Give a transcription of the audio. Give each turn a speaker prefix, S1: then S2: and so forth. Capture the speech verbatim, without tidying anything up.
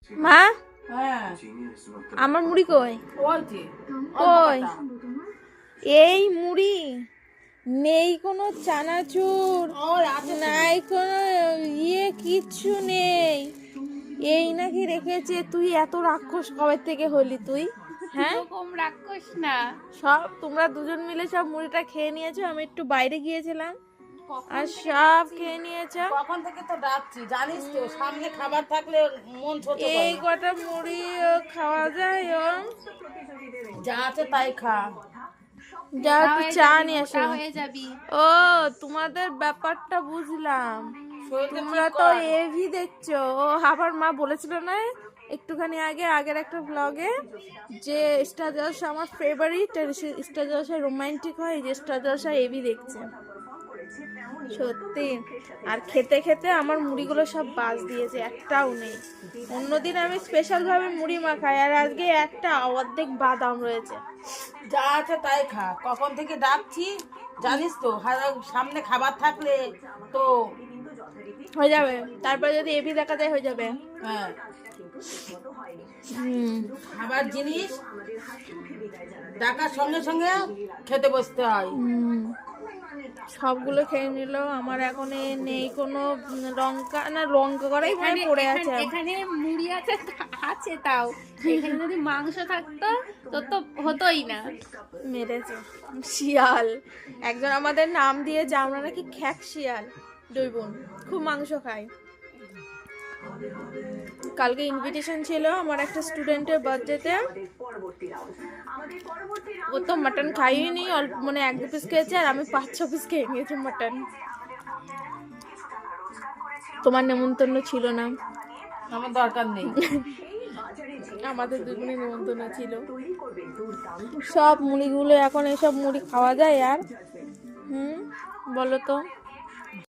S1: মা
S2: হ্যাঁ
S1: আমার মুড়ি কই?
S2: ওই যে
S1: কই এই মুড়ি নেই, কোনো চানাচুর
S2: ওই আছে
S1: নাই, কোনো ইয়ে কিচ্ছু নেই। এই নাকি রেখেছে। তুই এত রাক্ষস কবে থেকে হলি তুই? হ্যাঁ
S3: এরকম রাক্ষস না।
S1: সব তোমরা দুজন মিলে সব মুড়িটা খেয়ে নিয়েছো, আমি একটু বাইরে গিয়েছিলাম আর সব খেয়ে নিয়েছো।
S2: কখন থেকে তো ডাকছি জানিস তো, সামনে খাবার থাকলে মন ছোট
S1: এই
S2: করে।
S1: কটা মুড়ি ও খাওয়া যায় ও?
S2: যা আছে তাই খা।
S1: যা একটু চা নিয়ে
S3: মোটা
S1: আসো।
S3: হয়ে যাবি।
S1: ও তোমাদের ব্যাপারটা বুঝলাম,
S2: শরীরটা
S1: তোমরা
S2: ঠিক
S1: তো
S2: কর।
S1: এভি দেখছো। ও আবার মা বলেছিল না একটুখানি আগে আগের একটা ব্লগে যে স্টার জলসা আমার ফেভারিট, স্টার জলসা রোমান্টিক হয়, যে স্টার জলসা এভি দেখছে। সত্যি। আর খেতে খেতে আমার মুড়িগুলো সব বাজ দিয়েছে, একটাও নেই। অন্যদিন আমি স্পেশাল ভাবে মুড়ি মাখাই, আর আজকে একটা অর্ধেক বাদাম রয়েছে।
S2: যা আছে তাই খা। কখন থেকে ডাকছি জানিস তো, হারা- সামনে খাবার থাকলে তো
S1: হয়ে যাবে, তারপরে যদি এভি দেখা যায় হয়ে যাবে।
S2: হ্যাঁ
S1: হুম
S2: খাবার জিনিস ডাকার সঙ্গে সঙ্গে খেতে বসতে হয়।
S1: হুম। সবগুলো খেয়ে নিল। আমার এখন এ নেই কোনো লঙ্কা, না লঙ্কা করাই মনে হয় পড়ে আছে।
S3: এখানে- এখানে মুড়ি আছে আছে তাও, এখানে যদি মাংস থাকতো তো তো হতোই না।
S1: মেরেছে শিয়াল। একজন আমাদের নাম দিয়েছে আমরা নাকি খ্যাক শিয়াল। দুই বোন খুব মাংস খাই। কালকে ইনভিটেশন ছিল আমার একটা স্টুডেন্টের বার্থডেতে। ও তো মাটন খাইনি, অল্প মানে এক দু পিস খেয়েছে, আর আমি পাঁচ ছ পিস খেয়ে নিয়েছি মাটন। তোমার নেমন্তন্ন ছিল না,
S2: আমার দরকার নেই।
S1: আমাদের দুজনের নেমন্তন্ন ছিল। সব মুড়িগুলো এখন এসব মুড়ি খাওয়া যায় আর? হুম বলো তো।